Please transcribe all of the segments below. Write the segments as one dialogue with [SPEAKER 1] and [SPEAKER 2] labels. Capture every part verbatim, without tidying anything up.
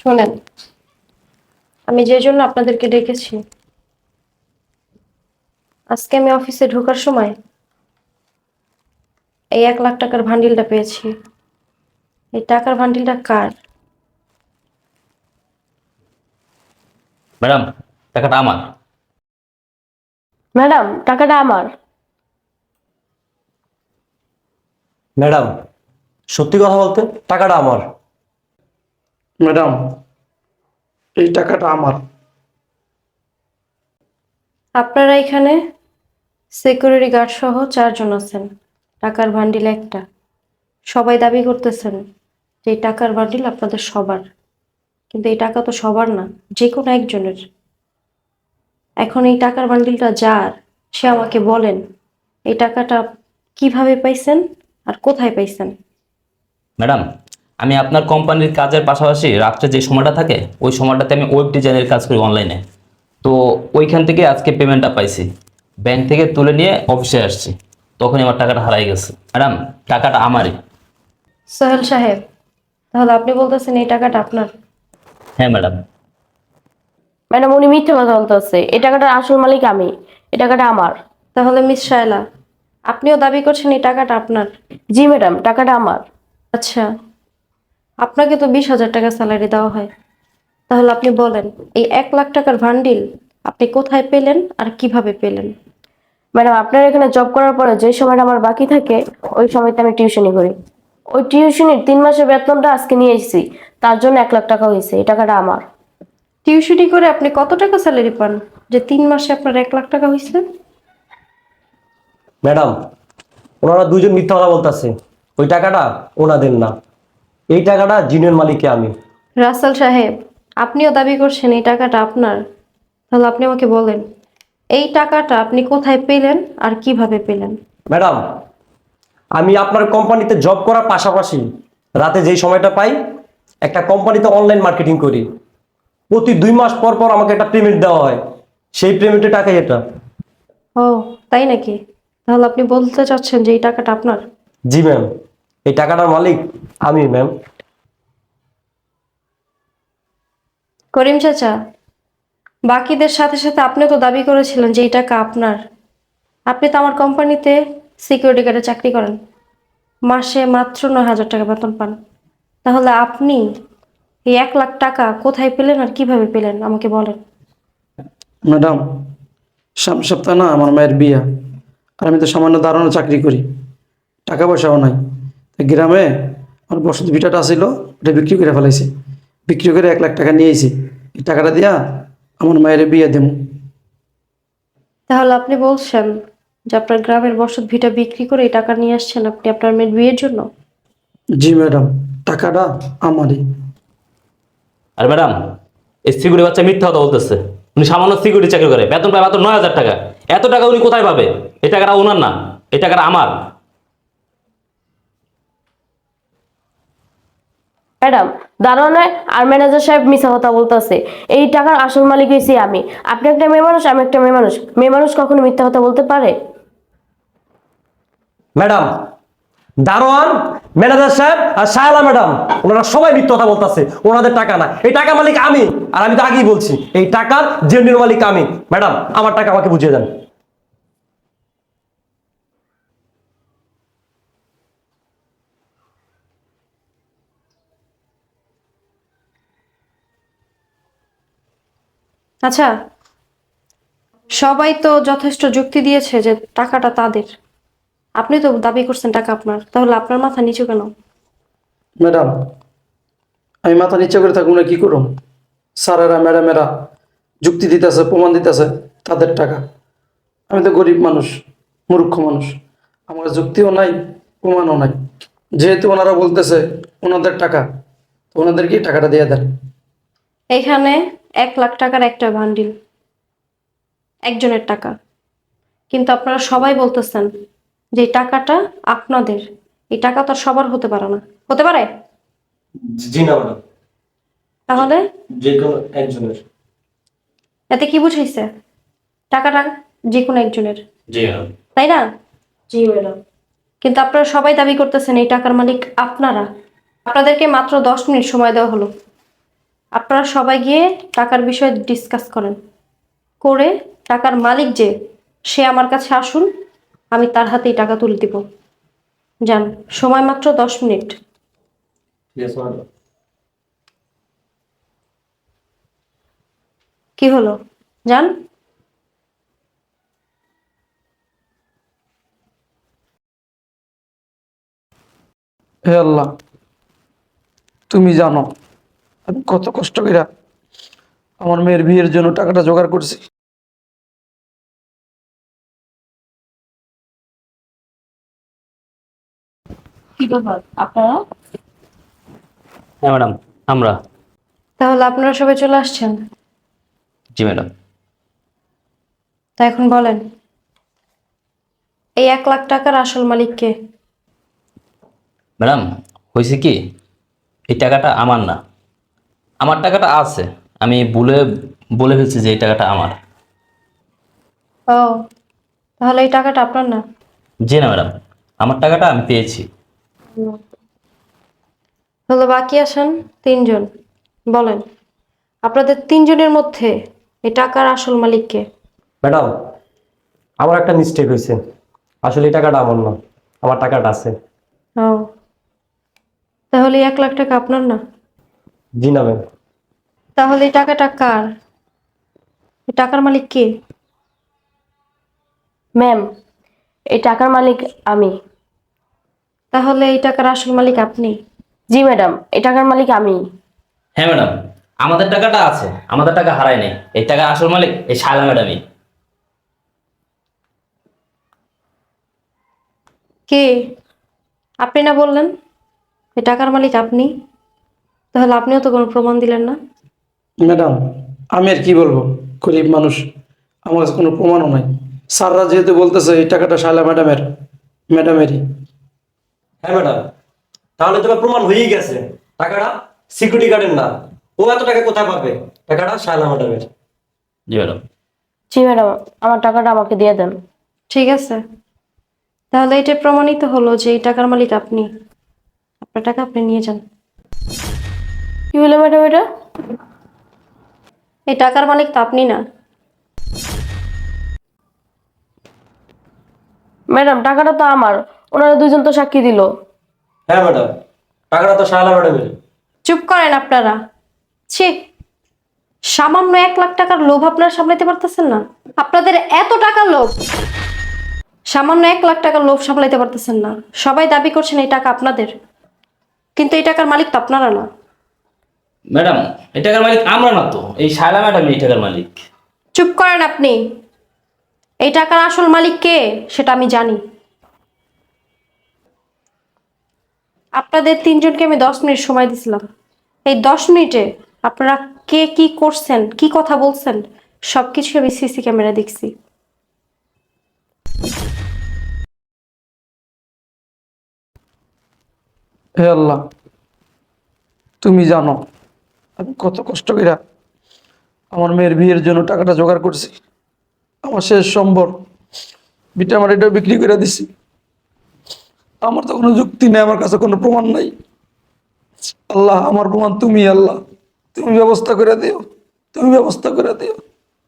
[SPEAKER 1] শোনেন, আমি যে জন্য আপনাদেরকে ডেকেছি, আজকে আমি অফিসে ঢোকার সময় এই এক লাখ টাকার ভান্ডিলটা পেয়েছি। এই টাকার ভান্ডিলটা কার?
[SPEAKER 2] ম্যাডাম, টাকাটা আমার।
[SPEAKER 1] ম্যাডাম, টাকাটা আমার।
[SPEAKER 3] ম্যাডাম, সত্যি কথা বলতে টাকাটা আমার।
[SPEAKER 4] ম্যাডাম, এই টাকাটা আমার।
[SPEAKER 1] আপনারা এখানে সিকিউরিটি গার্ড সহ চারজন আছেন, টাকার ভান্ডিল একটা। সবাই দাবি করতেছেন যে এই টাকার ভান্ডিল আপনাদের সবার, কিন্তু এই টাকা তো সবার না, যে কোনো একজনের। এখন এই টাকার বান্ডিলটা যার, সে আমাকে বলেন এই টাকাটা কিভাবে পাইছেন আর কোথায় পাইছেন।
[SPEAKER 2] ম্যাডাম, আমি আপনার কোম্পানির কাজের পাশাপাশি রাত্রে যে সময়টা থাকে ওই সময়টাতে আমি ওয়েব ডিজাইনের কাজ করি অনলাইনে। তো ওইখান থেকে আজকে পেমেন্টটা পাইছি, ব্যাংক থেকে তুলে নিয়ে অফিসে আসছি, তখনই আমার টাকাটা হারাই গেছে। ম্যাডাম, টাকাটা আমারই।
[SPEAKER 1] সোহেল সাহেব, তাহলে আপনি বলতেছেন এই টাকাটা আপনার?
[SPEAKER 2] হ্যাঁ ম্যাডাম।
[SPEAKER 5] ম্যাডাম, উনি মিথ্যে কথা বলতেছে। এই টাকাটার আসল মালিক আমি, এই টাকাটা আমার।
[SPEAKER 1] তাহলে মিস শায়লা, আপনিও দাবি করছেন এই টাকাটা আপনার?
[SPEAKER 5] জি ম্যাডাম, টাকাটা আমার।
[SPEAKER 1] আচ্ছা, আপনাকে তো বিশ হাজার টাকা স্যালারি দেওয়া হয়, তাহলে আপনি বলেন এই এক লাখ টাকার ভান্ডিল আপনি কোথায় পেলেন আর কিভাবে পেলেন?
[SPEAKER 5] ম্যাডাম, আপনার এখানে জব করার পরে যে সময়টা আমার বাকি থাকে ওই সময়তে আমি টিউশনি করি। ওই টিউশনির তিন মাসের বেতনটা আজকে নিয়ে এসেছি, তার জন্য এক লাখ টাকা হয়েছে। এই টাকাটা আমার।
[SPEAKER 1] টিউশনি করে আপনি কত টাকা স্যালারি পান যে তিন মাসে আপনার এক লাখ টাকা হয়েছে?
[SPEAKER 3] ম্যাডাম, ওনারা দুইজন মিথ্যা কথা বলতেছে। ওই টাকাটা ওনাদের না, এই টাকাটা জিনের মালিককে আমি।
[SPEAKER 1] রাসেল সাহেব, আপনিও দাবি করছেন এই টাকাটা আপনার, তাহলে আপনি আমাকে বলেন এই টাকাটা আপনি কোথায় পেলেন আর কিভাবে পেলেন?
[SPEAKER 3] ম্যাডাম, আমি আপনার কোম্পানিতে জব করার পাশাপাশি রাতে যেই সময়টা পাই একটা কোম্পানিতে অনলাইন মার্কেটিং করি। প্রতি দুই মাস পর পর আমাকে একটা পেমেন্ট দেওয়া হয়, সেই পেমেন্টের টাকাই এটা।
[SPEAKER 1] ও, তাই নাকি? তাহলে আপনি বলতে চাচ্ছেন যে এই টাকাটা আপনার?
[SPEAKER 3] জি ম্যাম, এই টাকাটার মালিক আমি ম্যাম।
[SPEAKER 1] করিম চাচা, বাকিদের সাথে সাথে আপনি তো দাবি করেছিলেন যে এই টাকা আপনার। আপনি তো আমার কোম্পানিতে সিকিউরিটি গার্ডে চাকরি করেন, মাসে মাত্র নয় হাজার টাকা বেতন পান। তাহলে আপনি এই এক লাখ টাকা কোথায় পেলেন আর কিভাবে পেলেন আমাকে বলেন।
[SPEAKER 4] ম্যাডাম, সামনের সপ্তাহে না আমার মায়ের বিয়া, আর আমি তো সামান্য দাঁড়ানো চাকরি করি, টাকা পয়সাও নাই। তাই গ্রামে আমার বসত ভিটাটা ছিল, ওটা বিক্রি করে ফেলাইছি। বিক্রি করে এক লাখ টাকা নিয়েছি। এই টাকাটা দিয়া আমার মায়ের বিয়ে দেবো।
[SPEAKER 1] তাহলে আপনি বলছেন যে আপনার গ্রামের বসত ভিটা বিক্রি করে এই টাকা নিয়ে আসছেন আপনি আপনার মেয়ের বিয়ের জন্য?
[SPEAKER 4] জি ম্যাডাম, টাকাটা আমারই।
[SPEAKER 2] আর ম্যাডাম, এই সিকিউরিটি বাচ্চা মিথ্যা কথা বলতেছে। উনি সামান্য সিকিউরিটি চাকরি করে, বেতন পায় মাত্র নয় হাজার টাকা। এত টাকা উনি কোথায় পাবে? এই টাকাটা ওনার না, এই টাকাটা আমার।
[SPEAKER 5] ম্যাডাম, দারোয়ানে আর ম্যানেজার সাহেব মিথ্যা কথা বলতেছে। এই টাকার আসল মালিক হয়েছি আমি। আপনি একটা মেয়ে মানুষ, আমি একটা মেয়ে মানুষ। মেয়ে মানুষ কখনো মিথ্যা কথা বলতে পারে?
[SPEAKER 3] ম্যাডাম, দারোয়ান, ম্যানেজার সাহেব আর শায়লা ম্যাডাম, ওনারা সবাই মিথ্যা কথা বলতেছে। ওনাদের টাকা না, এই টাকা মালিক আমি। আর আমি তো আগেই বলছি এই টাকার জেনুইন মালিক আমি। ম্যাডাম, আমার টাকা আমাকে বুঝিয়ে দেন।
[SPEAKER 1] আচ্ছা, সবাই তো যথেষ্ট যুক্তি দিয়েছে যে টাকাটা তাদের। আপনি তো দাবি করছেন টাকা আপনার, তাহলে আপনার মাথা নিচু কেন?
[SPEAKER 4] ম্যাডাম, আমি মাথা নিচে করে থাকবো না, কি করুন? স্যারেরা ম্যাডামেরা যুক্তি দিতেছে, প্রমাণ দিতেছে তাদের টাকা। আমি তো গরিব মানুষ, মূর্খ মানুষ, আমার যুক্তিও নাই, প্রমাণও নাই। যেহেতু ওনারা বলতেছে ওনাদের টাকা, তো ওনাদেরকেই টাকাটা দিয়ে দেন।
[SPEAKER 1] এখানে এক লাখ টাকার একটা বান্ডিল, একজনের টাকা, কিন্তু আপনারা সবাই বলতেছেন যে এই টাকাটা আপনাদের। এই টাকা তো আর সবার হতে পারে না, হতে পারে?
[SPEAKER 3] জি না ম্যাডাম,
[SPEAKER 1] তাহলে
[SPEAKER 3] যে কোনো একজনের।
[SPEAKER 1] এতে কি বুঝাইছে? টাকাটা যে কোনো একজনের,
[SPEAKER 2] জি ম্যাডাম।
[SPEAKER 1] তাই না?
[SPEAKER 5] জি ম্যাডাম।
[SPEAKER 1] কিন্তু আপনারা সবাই দাবি করতেছেন এই টাকার মালিক আপনারা। আপনাদেরকে মাত্র দশ মিনিট সময় দেওয়া হলো, আপনারা সবাই গিয়ে টাকার বিষয়ে ডিসকাস করেন, করে টাকার মালিক যে সে আমার কাছে আসুন, আমি তার হাতেই টাকা তুলে দিব। যান, সময় মাত্র দশ মিনিট।
[SPEAKER 3] ঠিক আছে ম্যাডাম।
[SPEAKER 1] কি হলো? যান।
[SPEAKER 4] হে আল্লাহ, তুমি জানো আমি কত কষ্ট করে আমার মেয়ের বিয়ের জন্য টাকাটা জোগাড় করছি।
[SPEAKER 5] কি ব্যাপার আপনারা?
[SPEAKER 2] হ্যাঁ ম্যাডাম, আমরা।
[SPEAKER 1] তাহলে আপনারা সবাই চলে আসছেন।
[SPEAKER 2] জি ম্যাডাম।
[SPEAKER 1] তা এখন বলেন, এই এক লাখ টাকার আসল মালিক কে?
[SPEAKER 2] ম্যাডাম, হয়েছে কি, এই টাকাটা আমার না। আমার টাকাটা আছে, আমি বলে বলে ফেলছি যে এই টাকাটা আমার।
[SPEAKER 1] ও, তাহলে এই টাকাটা আপনার না?
[SPEAKER 2] জি না ম্যাডাম, আমার টাকাটা আমি পেয়েছি।
[SPEAKER 1] তাহলে বাকি আছেন তিনজন। বলেন, আপনাদের তিনজনের মধ্যে এই টাকার আসল মালিক কে?
[SPEAKER 3] ম্যাডাম, আমার একটা মিস্টেক হয়েছে। আসলে এই টাকাটা আমার না, আমার টাকাটা আছে।
[SPEAKER 1] ও, তাহলে এই এক লাখ টাকা আপনার না?
[SPEAKER 3] জি না ম্যাম।
[SPEAKER 1] তাহলে এই টাকাটা কার? এই টাকার মালিক কে?
[SPEAKER 5] ম্যাম, এই টাকার মালিক আমি।
[SPEAKER 1] তাহলে এই টাকার আসল মালিক আপনি?
[SPEAKER 5] জি ম্যাডাম, এই টাকার মালিক আমি।
[SPEAKER 2] হ্যাঁ ম্যাডাম, আমাদের টাকাটা আছে, আমাদের টাকা হারায় নাই। এই টাকার আসল মালিক এই শায়লা ম্যাডামই।
[SPEAKER 1] কে? আপনি না বললেন এই টাকার মালিক আপনি? তাহলে আপনিও তো কোনো প্রমাণ দিলেন না।
[SPEAKER 4] ম্যাডাম, আমি আর কি বলবো, গরিব মানুষ, আমার কাছে কোনো প্রমাণও নাই। স্যাররা যেহেতু বলতেছে এই টাকাটা শায়লা ম্যাডামের, ম্যাডামেরই।
[SPEAKER 3] হ্যাঁ ম্যাডাম, তাহলে তোমার প্রমাণ হয়েই গেছে টাকাটা সিকিউরিটি গার্ডের না। ও এত টাকা কোথায় পাবে? টাকাটা শায়লা ম্যাডামের।
[SPEAKER 2] জি ম্যাডাম।
[SPEAKER 5] জি ম্যাডাম, আমার টাকাটা আমাকে দিয়ে দেন।
[SPEAKER 1] ঠিক আছে, তাহলে এটা প্রমাণিত হলো যে এই টাকার মালিক আপনি। আপনার টাকা আপনি নিয়ে যান।
[SPEAKER 5] কি হলো ম্যাডাম এটা?
[SPEAKER 1] এই টাকার মালিক তো আপনি না।
[SPEAKER 5] ম্যাডাম, টাকাটা তো আমার, ওনারা দুজন তো সাক্ষী দিল।
[SPEAKER 3] হ্যাঁ ম্যাডাম, টাকাটা তো শায়লা ম্যাডামের।
[SPEAKER 1] চুপ করেন আপনারা। ছি, সামান্য এক লাখ টাকার লোভ আপনারা সামলাইতে পারতেছেন না? আপনাদের এত টাকার লোভ, সামান্য এক লাখ টাকার লোভ সামলাইতে পারতেছেন না। সবাই দাবি করছেন এই টাকা আপনাদের, কিন্তু এই টাকার মালিক তো আপনারা না।
[SPEAKER 2] ম্যাডাম, এই টাকার মালিক আমরা না তো, এই শায়লা ম্যাডামই এই টাকার মালিক।
[SPEAKER 1] চুপ করেন আপনি। এই টাকার আসল মালিক কে সেটা আমি জানি। আপনাদের তিনজনকে আমি দশ মিনিট সময় দিছিলাম। এই দশ মিনিটে আপনারা কে কি করছেন, কি কথা বলছেন, সবকিছু আমি সিসি ক্যামেরা দেখছি।
[SPEAKER 4] হে আল্লাহ, তুমি জানো আমি কত কষ্ট করে আমার মেয়ের বিয়ের জন্য টাকাটা জোগাড় করছি। আমার শেষ সম্বর বিটা আমার এটাও বিক্রি করে দিছি। আমার তো কোনো যুক্তি নেই, আমার কাছে কোনো প্রমাণ নাই। আল্লাহ, আমার প্রমাণ তুমি। আল্লাহ, তুমি ব্যবস্থা করে দিও, তুমি ব্যবস্থা করে দিও।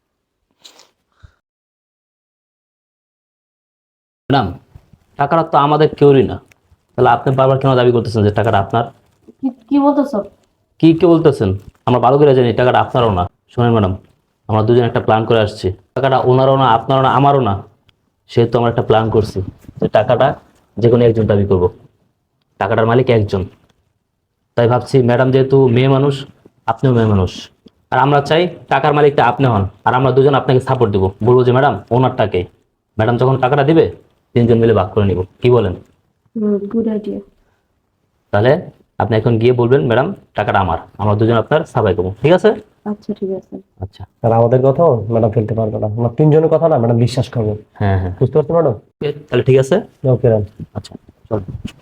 [SPEAKER 2] ম্যাডাম, টাকাটা তো আমাদের কেউরই না, তাহলে আপনি বারবার কেন দাবি করতেছেন যে টাকাটা আপনার?
[SPEAKER 5] কি- কি বলতেছো?
[SPEAKER 2] কি কি বলতেছেন? আমরা ভালো করে জানি টাকাটা আপনারও না। শোনেন ম্যাডাম, আমরা দুজন একটা প্ল্যান করে আসছি। টাকাটা ওনারও না, আপনারও না, আমারও না। সেহেতু আমরা একটা প্ল্যান করছি যে টাকাটা যে কোনো একজন দাবি করব। টাকাটার মালিক একজন। তাই ভাবছি ম্যাডাম যেহেতু মেয়ে মানুষ, আপনিও মেয়ে মানুষ, আর আমরা চাই টাকার মালিকটা আপনি হন, আর আমরা দুজন আপনাকে সাপোর্ট দিব। বলবো যে ম্যাডাম ওনারটাকে, ম্যাডাম যখন টাকাটা দিবে তিনজন মিলে ভাগ করে নিব। কি বলেন?
[SPEAKER 5] Good idea.
[SPEAKER 2] তাহলে আপনি এখন গিয়ে বলবেন ম্যাডাম টাকাটা আমার, আমরা দুজন আপনার সাবাই করবো। ঠিক আছে?
[SPEAKER 5] আচ্ছা, ঠিক আছে।
[SPEAKER 2] আচ্ছা।
[SPEAKER 3] আর আমাদের কথাও ম্যাডাম ফেলতে পারবে না, আমরা তিনজনের কথা না ম্যাডাম বিশ্বাস করবো।
[SPEAKER 2] হ্যাঁ হ্যাঁ,
[SPEAKER 3] বুঝতে পারছো ম্যাডাম?
[SPEAKER 2] ওকে, তাহলে ঠিক আছে।
[SPEAKER 3] Okay ma'am.
[SPEAKER 2] আচ্ছা চল।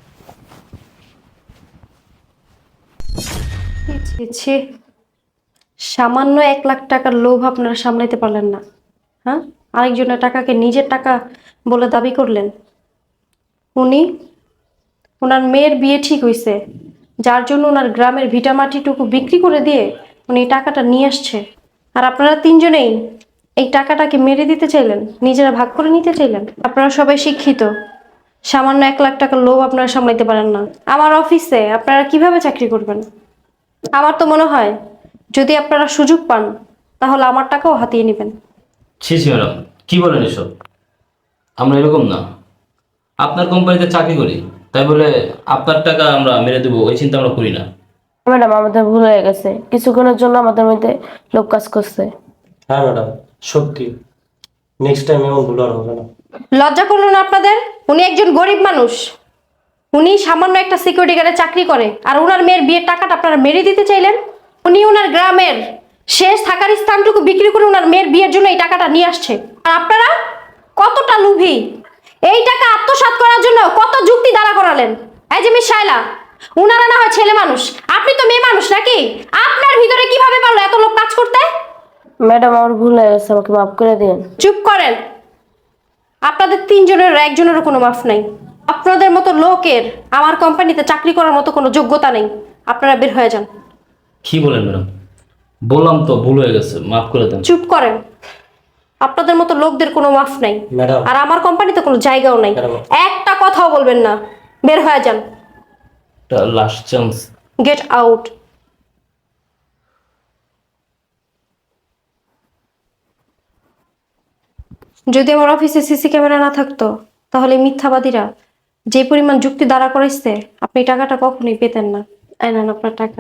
[SPEAKER 1] ছি, ছি, ছি। সামান্য এক লাখ টাকার লোভ আপনারা সামলাইতে পারলেন না। হ্যাঁ, আরেকজনের টাকাকে নিজের টাকা বলে দাবি করলেন। উনি, ওনার মেয়ের বিয়ে ঠিক হয়েছে, যার জন্য ওনার গ্রামের ভিটামাটিটুকু বিক্রি করে দিয়ে উনি এই টাকাটা নিয়ে আসছে, আর আপনারা তিনজনেই এই টাকাটাকে মেরে দিতে চাইলেন, নিজেরা ভাগ করে নিতে চাইলেন। আপনারা সবাই শিক্ষিত, সামান্য এক লাখ টাকার লোভ আপনারা সামলাইতে পারেন না। আমার অফিসে আপনারা কিভাবে চাকরি করবেন? আমার তো মনে হয় যদি আপনারা সুযোগ পান তাহলে আমার টাকাও হাতিয়ে নেবেন।
[SPEAKER 2] ছি ছি ম্যাডাম, কি বলেন এসব? আমরা এরকম না। আপনার কোম্পানিতে চাকরি করি, তাই বলে আপনার টাকা আমরা মেরে দেবো ওই চিন্তা আমরা করি না।
[SPEAKER 5] ম্যাডাম আমাদের ভুল হয়ে গেছে, কিছুক্ষণের জন্য আমাদের মধ্যে লোক কাজ করছে।
[SPEAKER 3] হ্যাঁ ম্যাডাম, সত্যি নেক্সট টাইম এমন ভুল আর হবে না।
[SPEAKER 1] লজ্জা করলো না আপনাদের? উনি একজন গরিব মানুষ, উনি সামান্য একটা সিকিউরিটি গার্ডে চাকরি করে, আর ওনার মেয়ের বিয়ের টাকাটা আপনারা মেরে দিতে চাইলেন। উনি ওনার গ্রামের শেষ থাকার স্থানটুকু বিক্রি করে ওনার মেয়ের বিয়ের জন্য এই টাকাটা নিয়ে আসছে, আর আপনারা কতটা লোভী! এই টাকা আত্মসাৎ করার জন্য কত যুক্তি দাঁড়া করালেন। এই যে মিস শায়লা, উনারা না হয় ছেলে মানুষ, আপনি তো মেয়ে মানুষ নাকি? আপনার ভিতরে কিভাবে পারলো এত লোক কাজ করতে?
[SPEAKER 5] ম্যাডাম আমার ভুল হয়ে গেছে, আমাকে মাফ করে দিন।
[SPEAKER 1] চুপ করেন। আপনাদের তিনজনের একজনেরও কোনো মাফ নাই। আপনাদের মতো লোকের আমার কোম্পানিতে চাকরি করার মতো কোনো যোগ্যতা নেই। আপনারা বের হয়ে যান।
[SPEAKER 2] কি বলেন ম্যাডাম? বললাম তো ভুল হয়ে গেছে, মাফ করে দেন।
[SPEAKER 1] চুপ করেন। আপনাদের মতো লোকদের কোনো মাফ নাই,
[SPEAKER 3] ম্যাডাম।
[SPEAKER 1] আর আমার কোম্পানিতে কোনো জায়গাও নাই।
[SPEAKER 3] ম্যাডাম।
[SPEAKER 1] একটা কথাও বলবেন না, বের হয়ে যান।
[SPEAKER 2] Last chance.
[SPEAKER 1] Get out. যদি আমার অফিসে সিসি ক্যামেরা না থাকতো তাহলে এই মিথ্যাবাদীরা যে পরিমাণ যুক্তি দাঁড়া করাইছে, আপনি এই টাকাটা কখনোই পেতেন না। এই নেন আপনার টাকা।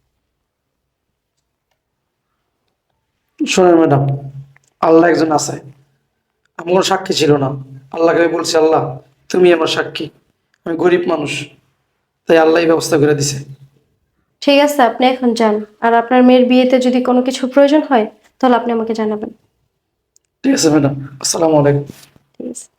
[SPEAKER 4] শোনেন ম্যাডাম, আল্লাহ একজন আছে, আমি কোনো সাক্ষী ছিল না। আল্লাহকে আমি বলছি, আল্লাহ তুমি আমার সাক্ষী, আমি গরিব মানুষ, তাই আল্লাহই ব্যবস্থা করে দিছে।
[SPEAKER 1] ঠিক আছে, আপনি এখন যান। আর আপনার মেয়ের বিয়েতে যদি কোনো কিছু প্রয়োজন হয় তাহলে আপনি আমাকে জানাবেন।
[SPEAKER 4] ঠিক আছে ম্যাডাম, আসসালামু আলাইকুম।
[SPEAKER 1] ঠিক আছে।